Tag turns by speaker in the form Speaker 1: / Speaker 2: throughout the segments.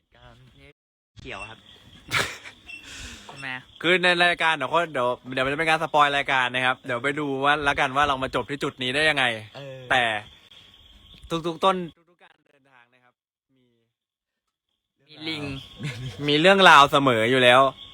Speaker 1: การเขียวครับใช่ไหม
Speaker 2: คือในรายการเดี๋ยวมันจะเป็นการสปอยรายการนะครับเดี๋ยวไปดูว่าละกันว่าเรามาจบที่จุดนี้ได้ยังไงแต่ทุกการเดินทางนะครับ
Speaker 1: มีลิง
Speaker 2: มีเรื่องราวเสมออยู่แล้ว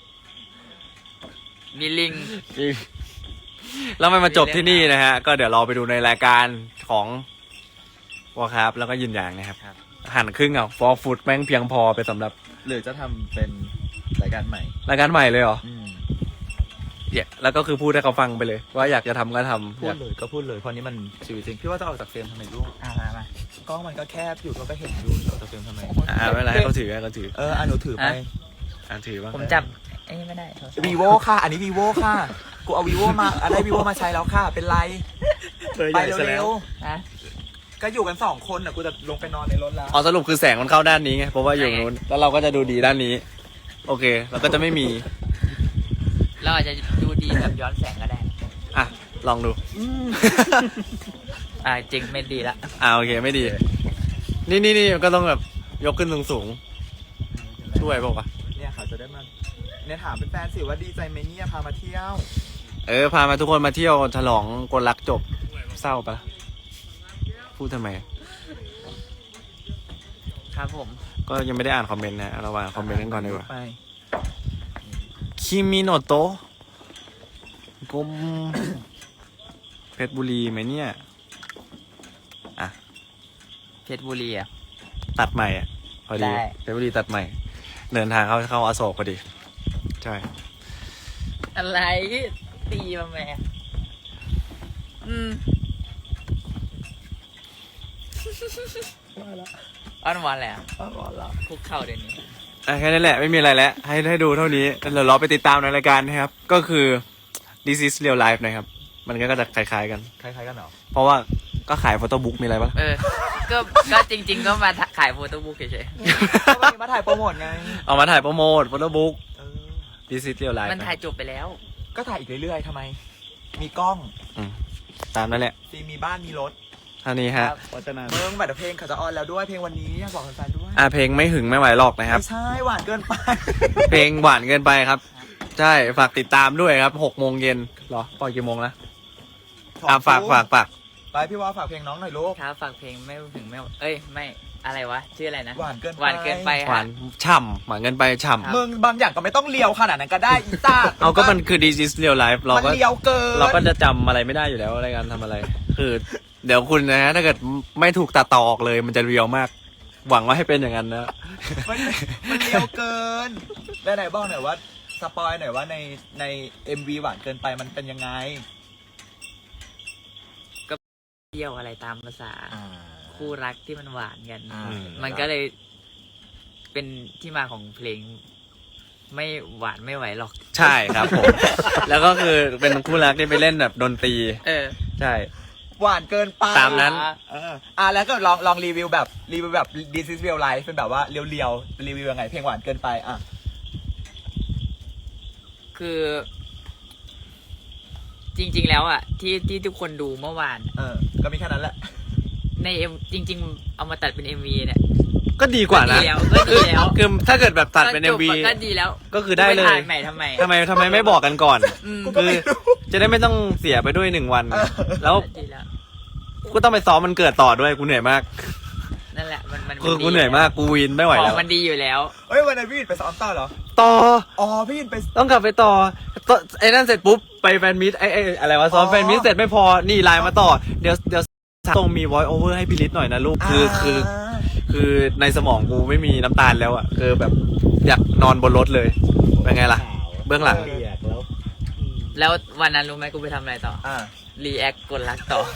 Speaker 1: มีลิง
Speaker 2: แล้วมันมาจบที่นี่นะฮะก็เดี๋ยวเราไปดูในรายการของวอครับแล้วก็ยินอย่างนะครับหั่นครึ่งอ่ะฟอร์ฟูดแม่งเพียงพอไปสำหรับ
Speaker 3: หรือจะทำเป็นรายการใหม่
Speaker 2: รายการใหม่เลยเหรอเนี่ยแล้วก็คือพูดให้เขาฟังไปเลย ว่าอยากจะทำก็ทำ
Speaker 3: พูดเลยก็พูดเลยเพราะนี้มันชีวิตจริงพี่ว่าจะออกจากเฟรมทำไมลูก
Speaker 1: มาก
Speaker 3: ล้องมันก็แคบอยู่ก็เห็นอยู่ออกจากเฟรมทำไม
Speaker 2: ไม่เป็นไรให้เขาถือให้เขาถือ
Speaker 3: หนูถือไป
Speaker 2: ถือบ้าง
Speaker 1: ผมจับไอ้นี่ไม่ได้
Speaker 3: vivo ค่ะอันนี้ vivo ค่ะกูเอา vivo มาได้ vivo มาใช้แล้วค่ะเป็นไรไปเร็ว
Speaker 1: ฮะ
Speaker 3: ๆก็อยู่กัน2 คนน่ะกูจะลงไปนอนในรถแล้ว
Speaker 2: สรุปคือแสงมันเข้าด้านนี้ไงเพราะว่าอยู่นู้นแล้วเราก็จะดูดีด้านนี้ โอเคเราก็จะไม่มี
Speaker 1: เราอาจจะดูดีแบบย้อนแสงก็ได้
Speaker 2: อ่ะลองดู
Speaker 1: จริงไม่ดีละ
Speaker 2: โอเคไม่ดี นี่ก็ต้องแบบยกขึ้นสูงๆช่วยป่าวะ
Speaker 3: เนี่ยค่ะจะได้มาเนี่ยถามเป็นแฟนสิว่าดีใจไหมเนี่ยพามาเที่ยว
Speaker 2: พามาทุกคนมาเที่ยวฉลองกลรักจบเศร้าปะพูดทำไม
Speaker 1: ครับผม
Speaker 2: ก็ยังไม่ได้อ่านคอมเมนต์นะเราอ่านคอมเมนต์กันก่อนดีกว่า
Speaker 3: ไป
Speaker 2: คิมิโนโตะกรมเพชรบุรีไหมเนี่ยอ่ะ
Speaker 1: เพชรบุรีอ่ะ
Speaker 2: ตัดใหม่อ่ะพอดี
Speaker 1: ได้
Speaker 2: เพชรบุรีตัดใหม่ เดินทางเข้าอโศกพอดีใช่
Speaker 1: อะไรตีมาแม่อ้อนวอนแหละคุกเข่าเดี๋ยวนี้
Speaker 2: แค่นั้นแหละไม่มีอะไรแล้วให้ดูเท่านี้เดี๋ยวเราไปติดตามในรายการนะครับก็คือ This is Real Life นะครับมันก็จะคล้ายๆกัน
Speaker 3: คล้ายๆกันเหรอ
Speaker 2: เพราะว่าก็ขายโฟโต้บุ๊กมีอะไรปะ
Speaker 1: ก็จริง ๆ ก็มาขายโฟโต้บุ๊กเฉย
Speaker 3: ก็วันนี้มาถ่ายโปรโมทไง
Speaker 2: เอามาถ่ายโปรโมทโฟโต้บุ๊ก This is Real
Speaker 1: ๆ
Speaker 2: Life
Speaker 1: มันถ่ายจบไปแล้ว
Speaker 3: ก็ถ่ายอีกเรื่อยๆทำไม มีกล้อง
Speaker 2: ตามนั่นแหละ
Speaker 3: ซีมีบ้านมีรถ
Speaker 2: เท่านี้ฮะ
Speaker 3: เมืองบัตรเพลงเขาจะออนแล้วด้วยเพลงวันนี้อยากบอกแฟนๆด้วย
Speaker 2: เพลงไม่หึงไม่ไหวหรอกนะครับ
Speaker 3: ไม่ใช่หวานเกินไป
Speaker 2: เพลงหวานเกินไปครับ ใช่ฝากติดตามด้วยครับ6 โมงเย็นหรอปล่อยกี่โมงนะฝาก
Speaker 3: ไปพี่ว่าฝากเพลงน้องหน่อยลูก
Speaker 1: ครับฝากเพลงไม่ถึงไม่ไม่อะไรวะชื่ออะไรนะ
Speaker 3: หวานเกินไป
Speaker 1: หวานเกินไป
Speaker 2: หวานฉ่ำหวานเกินไปฉ่
Speaker 3: มึงบางอย่างก็ไม่ต้องเลียวขนาดนั้นก็ได้อีต้า
Speaker 2: ำเอาก็มันคือ This is Real Life เรา
Speaker 3: มัน
Speaker 2: ก็
Speaker 3: เลียวเกิน
Speaker 2: เราก็จะจำอะไรไม่ได้อยู่แล้วในการทำอะไร คือเดี๋ยวคุณนะฮะถ้าเกิดไม่ถูกตัดต่อออกเลยมันจะเรียวมาก หวังว่าให้เป็นอย่างนั้นนะ
Speaker 3: มันเลียวเกินไหนๆบอกหน่อยว่าสปอยหน่อยว่าใน MV หวานเกินไปมันเป็นยังไง
Speaker 1: เที่ยวอะไรตามภาษาคู่รักที่มันหวานกัน
Speaker 3: อ่า
Speaker 1: มันก็เลยเป็นที่มาของเพลง ไม่หวานไม่ไหวหรอก
Speaker 2: ใช่ครับผม แล้วก็คือเป็นคู่รักที่ไปเล่นแบบดนตรีใช่
Speaker 3: หวานเกินไป
Speaker 2: ตามนั้น
Speaker 3: แล้วก็ลองรีวิวแบบThis is Real Life เป็นแบบว่าเรียวๆรีวิวยังไงเพลงหวานเกินไป
Speaker 1: คือ จริง ๆ แล้วอ่ะที่ทุกคนดูเมื่อวาน
Speaker 3: ก็มีแค่นั้นแหละ
Speaker 1: ในจริง ๆ เอามาตัดเป็น MV เนี่ย
Speaker 2: ก็ดีกว่านะ
Speaker 1: ก็ดีแล้ว
Speaker 2: คือถ้าเกิดแบบตัดเป็น
Speaker 1: ก็จบ
Speaker 2: MV
Speaker 1: ก็ดีแล้ว
Speaker 2: ก็คือได้เลย
Speaker 1: ปถ่ายใหม่ทำไม
Speaker 2: ทำไมไม่บอกกันก่อน
Speaker 3: กูก็
Speaker 2: คือ
Speaker 3: ไม่รู้
Speaker 2: จะได้ไม่ต้องเสียไปด้วย1 วัน แล้ว
Speaker 1: ดีแล้ว
Speaker 2: กูต้องไปซ้อมมันเกิดต่อด้วยกูเหนื่อยมาก
Speaker 1: นั่นแหละมัน
Speaker 2: คือกูเหนื่อยมากกูวินไม่ไหว
Speaker 1: ขอ
Speaker 2: แล้
Speaker 1: ง
Speaker 2: ว
Speaker 1: มันดีอยู่แล้ว
Speaker 3: เฮ้ยวันนั้นพี่อินไปซ้อมต่อเหรอ
Speaker 2: ต่อ
Speaker 3: พี่อินไป
Speaker 2: ต้องกลับไปต่อไอ้นั่นเสร็จปุ๊บไปแฟนมิตไอ้อะไรวะซ้อมแฟนมิตเสร็จไม่พอนี่ไลน์มาต่อเดี๋ยวต้องมี voice over ให้พี่ลิศหน่อยนะลูกคือในสมองกูไม่มีน้ำตาลแล้วอ่ะคือแบบอยากนอนบนรถเลยเป็นไงล่ะ เบื้องหลัง
Speaker 1: แล้ววันนั้นรู้ไหมกูไปทำอะไรต่อรีแอคกดรักต่อ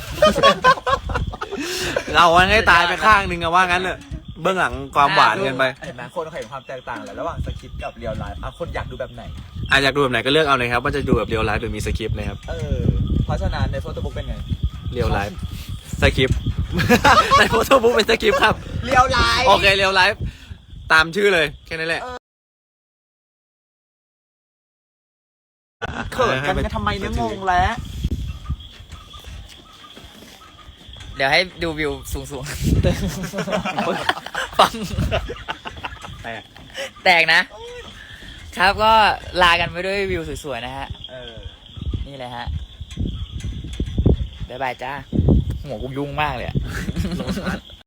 Speaker 2: เราให้ตายไปข้างนึงอะว่างั้นเลยเบื้องหลังความหวานเกินไป
Speaker 3: เห็นไหมคนเขาเห็นความแตกต่างแหละระหว่างสคริปต์กับเรียลไลฟ์คนอยากดูแบบไหน
Speaker 2: อยากดูแบบไหนก็เลือกเอาเลยครับว่าจะดูแบบเรียลไลฟ์หรือมีสคริปต์นะครับ
Speaker 3: เพราะฉะนั้นในโฟโต้บุ๊กเป็นไง
Speaker 2: เรียลไลฟ์สคริปต์ ในโฟโต้บุ๊กเป็นสคริปต์ครับ
Speaker 3: เรียลไลฟ์
Speaker 2: โอเคเรียลไลฟ์ตามชื่อเลยแค่นั้นแหละ
Speaker 3: เขินกันทำไมเนี่ยงงแล้ว
Speaker 1: เดี๋ยวให้ดูวิวสูงๆ ฟัง
Speaker 2: แตก
Speaker 1: แตกนะ ครับก็ลากันไปด้วยวิวสวยๆนะฮะ นี่เลยฮะ บ๊ายบายจ้า หัวกูยุ่งมากเลยอะ
Speaker 2: โลตัส